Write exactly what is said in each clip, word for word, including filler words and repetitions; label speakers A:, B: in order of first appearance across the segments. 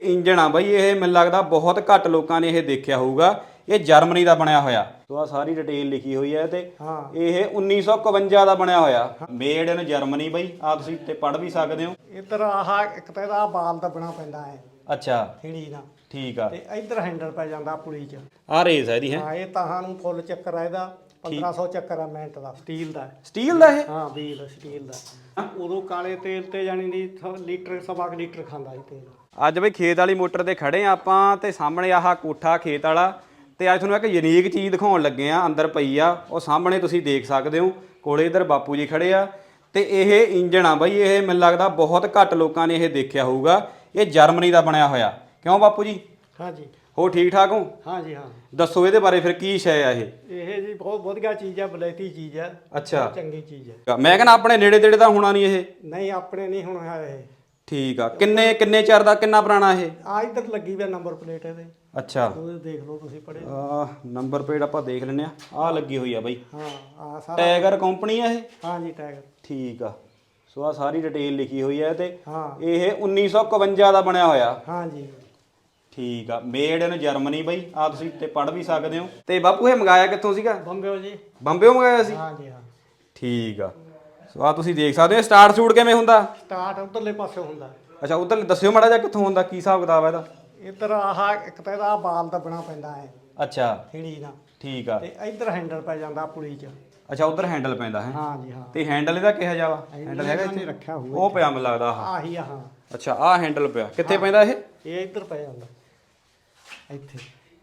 A: Engine आ बई ये मैनूं लगदा बहुत घट लोगों ने यह देखा होगा। ये जर्मनी का बनया होया तो आ सारी डिटेल लिखी हुई है ते ये उन्नीस सौ इकवंजा का बनया होया मेड इन जर्मनी बई आ तुसीं ते पढ़ भी सकते हो।
B: इधर आह एक तो इहदा बाल दबना पैंदा है।
A: अच्छा
B: हिड़ी ना
A: ठीक आ
B: ते इधर हैंडल पै जांदा पुली च
A: आ रेस है दी है।
B: हाँ ये ताहां नूं फुल चक्कर आ इहदा पंद्रह सौ चक्कर आ मिनट का स्टील का
A: स्टील का है।
B: हाँ व्हील स्टील का उदों काले तेल ते जानी दी लीटर सवा क लीटर खांदा ਸੀ तेल।
A: ਅੱਜ ਬਈ ਖੇਤ ਵਾਲੀ ਮੋਟਰ ਤੇ ਖੜੇ ਆ ਆਪਾਂ ਤੇ ਸਾਹਮਣੇ ਆਹ ਕੋਠਾ ਖੇਤ ਵਾਲਾ ਤੇ ਅੱਜ ਤੁਹਾਨੂੰ ਇੱਕ ਯੂਨੀਕ ਚੀਜ਼ ਦਿਖਾਉਣ ਲੱਗੇ ਆ। ਅੰਦਰ ਪਈ ਆ ਉਹ ਸਾਹਮਣੇ ਤੁਸੀਂ ਦੇਖ ਸਕਦੇ ਹੋ। ਕੋਲੇ ਇਧਰ ਬਾਪੂ ਜੀ ਖੜੇ ਆ ਤੇ ਇਹ ਇੰਜਣ ਆ ਬਈ ਇਹ ਮੈਨੂੰ ਲੱਗਦਾ ਬਹੁਤ ਘੱਟ ਲੋਕਾਂ ਨੇ ਇਹ ਦੇਖਿਆ ਹੋਊਗਾ। ਇਹ ਜਰਮਨੀ ਦਾ ਬਣਿਆ ਹੋਇਆ ਕਿਉਂ ਬਾਪੂ ਜੀ?
B: हाँ जी
A: ਹੋ ਠੀਕ ਠਾਕ ਹੋ?
B: हाँ जी हाँ
A: ਦੱਸੋ ਇਹਦੇ ਬਾਰੇ ਫਿਰ ਕੀ ਸ਼ੈ ਆ ਇਹ?
B: ਇਹ ਜੀ ਬਹੁਤ ਵਧੀਆ ਚੀਜ਼ ਹੈ ਬਲੈਤੀ ਚੀਜ਼ ਹੈ।
A: ਅੱਛਾ
B: ਚੰਗੀ ਚੀਜ਼ ਹੈ।
A: ਮੈਂ ਕਹਿੰਦਾ ਆਪਣੇ ਨੇੜੇ ਤੇੜੇ ਤਾਂ ਹੋਣਾ ਨਹੀਂ ਇਹ।
B: ਨਹੀਂ ਆਪਣੇ ਨਹੀਂ ਹੁਣ ਹੈ ਇਹ।
A: ਠੀਕ ਆ ਕਿੰਨੇ ਕਿੰਨੇ ਚਿਰ ਦਾ ਕਿੰਨਾ ਪੁਰਾਣਾ ਇਹ?
B: ਆ ਇੱਧਰ ਲੱਗੀ ਹੋਈ ਨੰਬਰ ਪਲੇਟ ਇਹਦੇ।
A: ਅੱਛਾ
B: ਉਹ ਦੇਖ ਲਓ ਤੁਸੀਂ ਪੜੇ
A: ਆ ਨੰਬਰ ਪਲੇਟ ਆਪਾਂ ਦੇਖ ਲੈਂਦੇ ਆ। ਆ ਲੱਗੀ ਹੋਈ ਆ ਬਾਈ।
B: ਹਾਂ ਆ ਸਾਰਾ
A: ਟਾਈਗਰ ਕੰਪਨੀ ਆ ਇਹ।
B: ਹਾਂ ਜੀ ਟਾਈਗਰ
A: ਠੀਕ ਆ ਸੋ ਆ ਸਾਰੀ ਡਿਟੇਲ ਲਿਖੀ ਹੋਈ ਹੈ ਤੇ
B: ਹਾਂ
A: ਇਹ ਉੱਨੀ ਸੌ ਇਕਵੰਜਾ ਦਾ ਬਣਿਆ ਹੋਇਆ।
B: ਹਾਂ ਜੀ
A: ਠੀਕ ਆ ਮੇਡ ਇਨ ਜਰਮਨੀ ਬਾਈ ਆ ਤੁਸੀਂ ਤੇ ਪੜ ਵੀ ਸਕਦੇ ਹੋ। ਤੇ ਬਾਪੂ ਇਹ ਮੰਗਾਇਆ ਕਿੱਥੋਂ ਸੀਗਾ?
B: ਬੰਬਿਓ ਜੀ
A: ਬੰਬਿਓ ਮੰਗਾਇਆ ਸੀ।
B: ਹਾਂ ਜੀ ਹਾਂ
A: ਠੀਕ ਆ ਸੋ ਆ ਤੁਸੀਂ ਦੇਖ ਸਕਦੇ ਹੋ। ਸਟਾਰਟ ਸ਼ੂਟ ਕਿਵੇਂ ਹੁੰਦਾ?
B: ਸਟਾਰਟ ਉਧਰਲੇ ਪਾਸੇ ਹੁੰਦਾ।
A: ਅੱਛਾ ਉਧਰ ਦੱਸਿਓ ਮਾੜਾ ਜਿਹਾ ਕਿੱਥੋਂ ਹੁੰਦਾ ਕੀ ਹਿਸਾਬ ਕਿਤਾਬ ਹੈ ਇਹਦਾ?
B: ਇੱਧਰ ਆਹ ਇੱਕ ਤਾਂ ਇਹਦਾ ਬਾਲ ਦਬਣਾ ਪੈਂਦਾ ਹੈ।
A: ਅੱਛਾ
B: ਹਿੜੀ ਨਾ
A: ਠੀਕ ਆ
B: ਤੇ ਇੱਧਰ ਹੈਂਡਲ ਪੈ ਜਾਂਦਾ ਪੁਲੀ ਚ।
A: ਅੱਛਾ ਉਧਰ ਹੈਂਡਲ ਪੈਂਦਾ ਹੈ।
B: ਹਾਂ ਜੀ ਹਾਂ
A: ਤੇ ਹੈਂਡਲ ਇਹਦਾ ਕਿਹੋ ਜਿਹਾ ਵਾ? ਹੈਂਡਲ ਹੈਗਾ
B: ਇੱਥੇ
A: ਇੱਥੇ
B: ਰੱਖਿਆ ਹੋਇਆ
A: ਉਹ ਪਿਆ ਮੈਨੂੰ ਲੱਗਦਾ ਆਹ।
B: ਆਹੀ ਆ ਹਾਂ
A: ਅੱਛਾ ਆਹ ਹੈਂਡਲ ਪਿਆ ਕਿੱਥੇ ਪੈਂਦਾ ਇਹ?
B: ਇਹ ਇੱਧਰ ਪੈ ਜਾਂਦਾ ਇੱਥੇ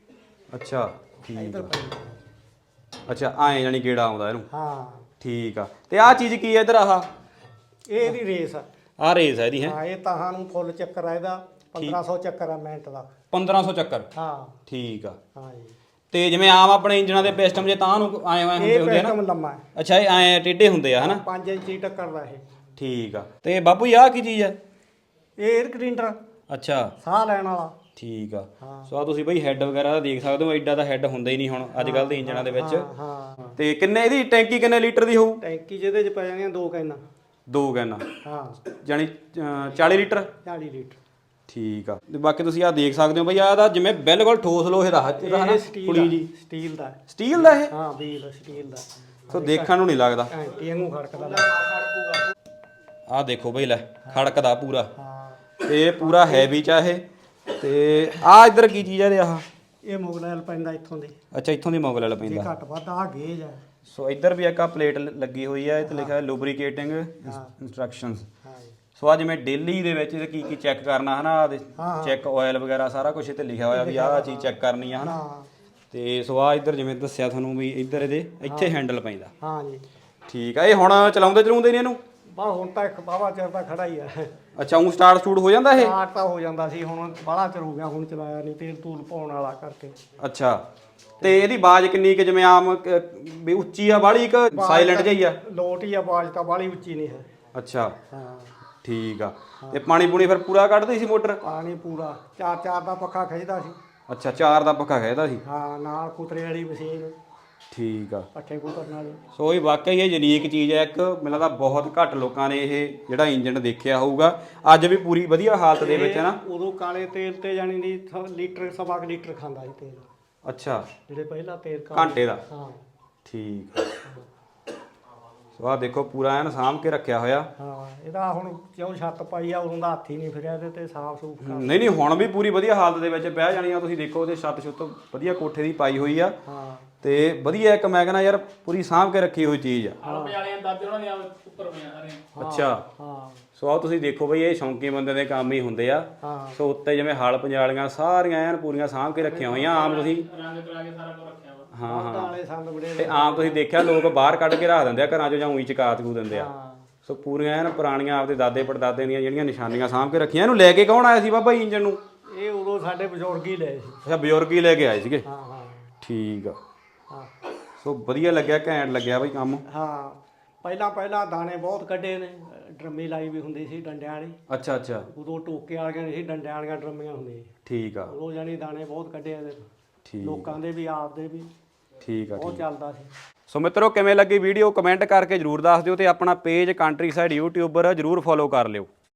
A: ਅੱਛਾ ਠੀਕ
B: ਇੱਧਰ
A: ਆ
B: ਪੈ ਜਾਂਦਾ।
A: ਅੱਛਾ ਐਂ ਜਾਨੀ ਗੇੜਾ ਆਉਂਦਾ ਇਹਨੂੰ।
B: ਹਾਂ
A: ਠੀਕ ਆ ਤੇ ਆਹ ਚੀਜ਼ ਕੀ ਹੈ ਇੱਧਰ ਆਹ?
B: ਇਹ ਇਹਦੀ ਰੇਸ ਆ।
A: ਆਹ ਰੇਸ ਹੈ ਇਹਦੀ ਹੈ।
B: ਹਾਂ ਇਹ ਤਾਹਾਂ ਨੂੰ ਫੁੱਲ ਚੱਕਰ ਆ ਇਹਦਾ ਪੰਦਰਾਂ ਸੌ ਚੱਕਰ ਆ ਮਿੰਟ ਦਾ।
A: ਪੰਦਰਾਂ ਸੌ ਚੱਕਰ
B: ਹਾਂ
A: ਠੀਕ ਆ।
B: ਹਾਂ ਜੀ
A: ਤੇ ਜਿਵੇਂ ਆਮ ਆਪਣੇ ਇੰਜਨਾਂ ਦੇ ਪਿਸਟਨ ਜੇ ਤਾਂ ਨੂੰ ਆਏ ਹੋਏ ਹੁੰਦੇ
B: ਇਹ
A: ਹੁੰਦੇ ਆ ਨਾ।
B: ਪਿਸਟਨ ਲੰਮਾ ਹੈ।
A: ਅੱਛਾ ਇਹ ਐਂ ਟੇਢੇ ਹੁੰਦੇ ਆ ਹਨਾ?
B: ਪੰਜ ਇੰਚੀ ਟੱਕਰ ਦਾ ਇਹ।
A: ਠੀਕ ਆ ਤੇ ਬਾਪੂ ਜੀ ਆਹ ਕੀ ਚੀਜ਼ ਆ?
B: ਇਹ 에ਅਰ ਕਲੀਨਰ
A: ਅੱਛਾ
B: ਸਾਹ ਲੈਣ ਵਾਲਾ।
A: ਠੀਕ ਆ
B: ਹਾਂ।
A: ਸੋ ਆ ਤੁਸੀਂ ਬਈ ਹੈੱਡ ਵਗੈਰਾ ਦਾ ਦੇਖ ਸਕਦੇ ਹੋ। ਐਡਾ ਦਾ ਹੈੱਡ ਹੁੰਦਾ ਹੀ ਨਹੀਂ ਹੁਣ ਅੱਜ ਕੱਲ੍ਹ ਦੇ ਇੰਜਨਾਂ ਦੇ ਵਿੱਚ।
B: ਹਾਂ
A: ਤੇ ਕਿੰਨੇ ਇਹਦੀ ਟੈਂਕੀ ਕਿੰਨੇ ਲੀਟਰ ਦੀ ਹੋਊ?
B: ਟੈਂਕੀ ਜਿਹਦੇ ਚ ਪੈ ਜਾਣੀਆਂ ਦੋ ਕੈਨਾਂ।
A: ਦੋ ਕੈਨਾਂ
B: ਹਾਂ
A: ਜਾਨੀ ਅ, ਚਾਲੀ ਲੀਟਰ।
B: ਚਾਲੀ ਲੀਟਰ
A: ਠੀਕ ਆ ਤੇ ਬਾਕੀ ਤੁਸੀਂ ਆ ਦੇਖ ਸਕਦੇ ਹੋ ਬਈ ਆਹ ਦਾ ਜਿਵੇਂ ਬਿਲਕੁਲ ਠੋਸ ਲੋਹੇ ਦਾ ਹੱਥ ਇਹਦਾ ਹਨਾ
B: ਇਹ ਸਟੀਲ
A: ਪੁਲੀ
B: ਦਾ
A: ਜੀ।
B: ਸਟੀਲ ਦਾ ਹੈ।
A: ਸਟੀਲ ਦਾ ਇਹ?
B: ਹਾਂ ਵੀਲ ਸਟੀਲ ਦਾ।
A: ਸੋ ਦੇਖਣ ਨੂੰ ਨਹੀਂ ਲੱਗਦਾ।
B: ਘੰਟੀ ਵਾਂਗੂ ਖੜਕਦਾ।
A: ਆਹ ਦੇਖੋ ਬਈ ਲੈ ਖੜਕਦਾ ਪੂਰਾ।
B: ਹਾਂ
A: ਤੇ ਪੂਰਾ ਹੈਵੀ ਚ ਆ ਇਹ। ਤੇ ਆ ਇੱਧਰ ਕੀ ਚੀਜ਼ ਆ ਇਹਦੇ ਆਹ?
B: ਇਹ ਮੁਗਲੈਲ ਪੈਂਦਾ ਇੱਥੋਂ ਦੀ।
A: ਅੱਛਾ ਇੱਥੋਂ ਦੀ ਮੋਗਲ
B: ਜੇ
A: ਪੈਂਦਾ।
B: ਘੱਟ ਵੱਧ ਆ ਗੇਜ ਹੈ।
A: ਸੋ ਇੱਧਰ ਵੀ ਇੱਕ ਆ ਪਲੇਟ ਲੱਗੀ ਹੋਈ ਹੈ। ਇਹ ਤੇ ਲਿਖਿਆ ਹੈ ਲੂਬਰੀਕੇਟਿੰਗ ਇੰਸਟਰਕਸ਼ਨਸ।
B: ਹਾਂ ਜੀ
A: ਸੋ ਆ ਜਿਵੇਂ ਡੇਲੀ ਦੇ ਵਿੱਚ ਕੀ ਕੀ ਚੈੱਕ ਕਰਨਾ ਹਨਾ ਚੈੱਕ ਆਇਲ ਵਗੈਰਾ ਸਾਰਾ ਕੁਝ ਇੱਥੇ ਲਿਖਿਆ ਹੋਇਆ ਵੀ ਆਹ ਚੀਜ਼ ਚੈੱਕ ਕਰਨੀ ਆ ਹਨਾ।
B: ਹਾਂ
A: ਤੇ ਸੋ ਆ ਇੱਧਰ ਜਿਵੇਂ ਦੱਸਿਆ ਤੁਹਾਨੂੰ ਵੀ ਇੱਧਰ ਇਹਦੇ ਇੱਥੇ ਹੈਂਡਲ ਪੈਂਦਾ।
B: ਹਾਂ ਜੀ
A: ਠੀਕ ਆ ਇਹ ਹੁਣ ਚਲਾਉਂਦੇ ਚਲਾਉਂਦੇ ਨਹੀਂ ਇਹਨੂੰ?
B: ਬਾ ਹੁਣ ਤਾਂ ਇੱਕ ਬਾਵਾ ਚਿਰ ਦਾ ਖੜਾ ਹੀ ਹੈ।
A: ਅੱਛਾ ਉਹ ਸਟਾਰਟ ਸਟੂਟ ਹੋ ਜਾਂਦਾ ਇਹ?
B: ਸਟਾਰਟ ਤਾਂ ਹੋ ਜਾਂਦਾ ਸੀ ਹੁਣ ਬਾਹਲਾ ਚਿਰ ਹੋ ਗਿਆ ਹੁਣ ਚਲਾਇਆ ਨਹੀਂ ਤੇਲ ਤੂਲ ਪਾਉਣ ਵਾਲਾ ਕਰਕੇ।
A: ਅੱਛਾ ਤੇ ਇਹਦੀ ਆਵਾਜ਼ ਕਿੰਨੀ ਕਿ ਜਿਵੇਂ ਆਮ ਕ- ਵੀ ਉੱਚੀ ਆ ਬਾਹਲੀ ਕਿ ਸਾਇਲੈਂਟ ਜਿਹੀ ਆ?
B: ਲੋਟ ਹੀ ਆਵਾਜ਼ ਤਾਂ ਬਾਹਲੀ ਉੱਚੀ ਨਹੀਂ ਹੈ।
A: ਅੱਛਾ
B: ਹਾਂ
A: ਠੀਕ ਆ ਤੇ ਪਾਣੀ ਪੂਣੀ ਫਿਰ ਪੂਰਾ ਕੱਢਦੀ ਸੀ ਮੋਟਰ?
B: ਪਾਣੀ ਪੂਰਾ ਚਾਰ ਚਾਰ ਦਾ ਪੱਖਾ ਖਿੱਚਦਾ ਸੀ।
A: ਅੱਛਾ ਚਾਰ ਦਾ ਪੱਖਾ ਖਿੱਚਦਾ ਸੀ।
B: ਹਾਂ ਨਾਲ ਕੁਤਰੇ ਵਾਲੀ ਮਸ਼ੀਨ
A: ਠੀਕ ਆ
B: ਪੱਠੇ ਕੁਤਰਨ ਵਾਲੀ।
A: ਸੋ ਇਹ ਵਾਕਈ ਇਹ ਯੂਨੀਕ ਚੀਜ਼ ਹੈ ਇੱਕ। ਮੈਨੂੰ ਲੱਗਦਾ ਬਹੁਤ ਘੱਟ ਲੋਕਾਂ ਨੇ ਇਹ ਜਿਹੜਾ ਇੰਜਨ ਦੇਖਿਆ ਹੋਊਗਾ। ਅੱਜ ਵੀ ਪੂਰੀ ਵਧੀਆ ਹਾਲਤ ਦੇ ਵਿੱਚ ਹੈ ਨਾ।
B: ਉਦੋਂ ਕਾਲੇ ਤੇਲ ਤੇ ਜਾਣੀ ਦੀ ਲੀਟਰ ਸਵਾ ਕੁ ਲੀਟਰ ਖਾਂਦਾ ਸੀ ਤੇਲ।
A: ਅੱਛਾ
B: ਜਿਹੜੇ ਪਹਿਲਾਂ ਤੇਲ
A: ਘੰਟੇ ਦਾ?
B: ਹਾਂ
A: ਠੀਕ ਆ ਸੋ ਆ ਦੇਖੋ ਪੂਰਾ ਐਨ ਸਾਂਭ ਕੇ ਰੱਖਿਆ ਹੋਇਆ।
B: ਹਾਂ ਇਹਦਾ ਹੁਣ ਕਿਉਂ ਛੱਤ ਪਾਈ ਆ ਉਦੋਂ ਦਾ ਹੱਥ ਹੀ ਨਹੀਂ ਫਿਰਿਆ ਇਹਦੇ ਤੇ ਸਾਫ ਸੂਫ ਕਰ।
A: ਨਹੀਂ ਨਹੀਂ ਹੁਣ ਵੀ ਪੂਰੀ ਵਧੀਆ ਹਾਲਤ ਦੇ ਵਿੱਚ ਬਹਿ ਜਾਣੀ ਆ। ਤੁਸੀਂ ਦੇਖੋ ਉਹਦੇ ਛੱਤ ਛੁੱਤ ਵਧੀਆ ਕੋਠੇ ਦੀ ਪਾਈ ਹੋਈ ਆ।
B: ਹਾਂ
A: ਤੇ ਵਧੀਆ ਇੱਕ ਮੈਂ ਕਹਿੰਦਾ ਯਾਰ ਪੂਰੀ ਸਾਂਭ ਕੇ ਰੱਖੀ ਹੋਈ ਚੀਜ਼ ਆ। ਅੱਛਾ
B: ਹਾਂ
A: ਸੋ ਆਹ ਤੁਸੀਂ ਦੇਖੋ ਬਈ ਇਹ ਸ਼ੌਂਕੀ ਬੰਦੇ ਦੇ ਕੰਮ ਹੀ ਹੁੰਦੇ ਆ।
B: ਹਾਂ
A: ਸੋ ਉੱਤੇ ਜਿਵੇਂ ਹਲ ਪੰਜਾਲੀਆਂ ਸਾਰੀਆਂ ਐਨ ਪੂਰੀਆਂ ਸਾਂਭ ਕੇ ਰੱਖੀਆਂ ਹੋਈਆਂ। ਆਮ ਤੁਸੀਂ ਹਾਂ ਹਾਂ
B: ਵਾਲੇ ਸੰਦ ਬੜੇ
A: ਤੇ ਆਮ ਤੁਸੀਂ ਦੇਖਿਆ ਲੋਕ ਬਾਹਰ ਕੱਢ ਕੇ ਰੱਖ ਦਿੰਦੇ ਆ ਘਰਾਂ 'ਚੋਂ ਜਾਂ ਊਂ ਹੀ ਚਕਾ ਚਕੂ ਦਿੰਦੇ ਆ।
B: ਹਾਂ
A: ਸੋ ਪੂਰੀਆਂ ਐਨ ਪੁਰਾਣੀਆਂ ਆਪਦੇ ਦਾਦੇ ਪੜਦਾਦੇ ਦੀਆਂ ਜਿਹੜੀਆਂ ਨਿਸ਼ਾਨੀਆਂ ਸਾਂਭ ਕੇ ਰੱਖੀਆਂ। ਇਹਨੂੰ ਲੈ ਕੇ ਕੌਣ ਆਇਆ ਸੀ ਬਾਬਾ ਜੀ ਇੰਜਨ ਨੂੰ?
B: ਇਹ ਉਦੋਂ ਸਾਡੇ ਬਜ਼ੁਰਗ ਹੀ ਲਏ ਸੀ।
A: ਅੱਛਾ ਬਜ਼ੁਰਗ ਹੀ ਲੈ ਕੇ ਆਏ ਸੀਗੇ।
B: ਹਾਂ ਹਾਂ
A: ਠੀਕ ਆ
B: ਹਾਂ
A: ਸੋ ਵਧੀਆ ਲੱਗਿਆ ਘੈਂਟ ਲੱਗਿਆ ਬਈ ਕੰਮ।
B: ਹਾਂ ਪਹਿਲਾਂ ਪਹਿਲਾਂ ਦਾਣੇ ਬਹੁਤ ਕੱਢੇ ਨੇ। ਡਰਮੀ ਲਾਈ ਵੀ ਹੁੰਦੀ ਸੀ ਡੰਡਿਆਂ ਵਾਲੀ।
A: ਅੱਛਾ ਅੱਛਾ
B: ਉਦੋਂ ਟੋਕੇ ਵਾਲੀਆਂ ਨਹੀਂ ਸੀ ਡੰਡਿਆਂ ਵਾਲੀਆਂ ਡਰਮੀਆਂ ਹੁੰਦੀਆਂ।
A: ਠੀਕ ਆ
B: ਉਦੋਂ ਜਾਣੀ ਦਾਣੇ ਬਹੁਤ ਕੱਢੇ ਇਹਦੇ
A: ਠੀਕ
B: ਲੋਕਾਂ ਦੇ ਵੀ ਆਪਦੇ ਵੀ
A: ਠੀਕ ਆ
B: ਬਹੁਤ
A: ਠੀਕ।
B: ਚੱਲਦਾ ਸੀ।
A: ਸੋ ਮਿੱਤਰੋ ਕਿਵੇਂ ਲੱਗੀ ਵੀਡੀਓ ਕਮੈਂਟ ਕਰਕੇ ਜਰੂਰ ਦੱਸ ਦਿਓ ਤੇ ਆਪਣਾ ਪੇਜ ਕੰਟਰੀ ਸਾਈਡ ਯੂਟਿਊਬਰ ਜਰੂਰ ਫੋਲੋ ਕਰ ਲਿਓ।